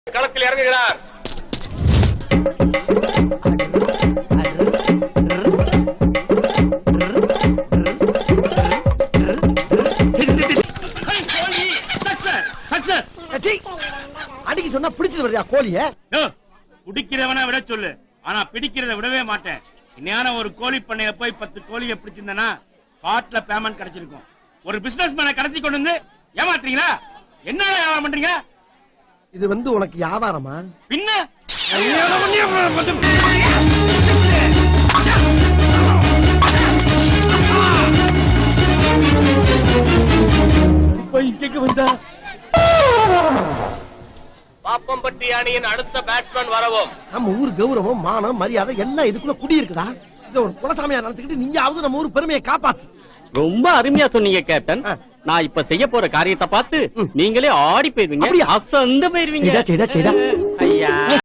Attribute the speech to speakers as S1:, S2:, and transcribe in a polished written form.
S1: களத்தில் இறங்குகிறார்.
S2: அடிக்க சொன்னா பிடிச்சது வரையா கோழிய?
S3: பிடிக்கிறவன விட சொல்லு, ஆனா பிடிக்கிறத விடவே மாட்டேன். இன்னையான ஒரு கோழி பண்ணைய போய் 10 கோழியை பிடிச்சிருந்தனா காட்ல பேமெண்ட் கிடைச்சிருக்கும். ஒரு பிசினஸ் மேன கடத்தி கொண்டு வந்து ஏமாத்துறீங்களா? என்ன வியாபாரம் பண்றீங்க?
S2: இது உனக்கு வியாபாரமா?
S3: பின்ன
S2: வந்தா
S1: பாப்பம்பட்டி அணியின் அடுத்த பேட்ஸ்மேன் வரவும்.
S2: நம்ம ஊர் கௌரவம், மானம், மரியாதை எல்லாம் இதுக்குள்ள குடி இருக்குடா. இத ஒரு குலசாமியா நடந்துக்கிட்டு நீயாவது நம்ம ஊர் பெருமையை காப்பாத்து.
S4: ரொம்ப அருமையா சொன்னீங்க கேப்டன். நான் இப்ப செய்ய போற காரியத்தை பார்த்து நீங்களே ஆடி போயிருவீங்க, அசந்து போயிருவீங்க.
S2: ஐயா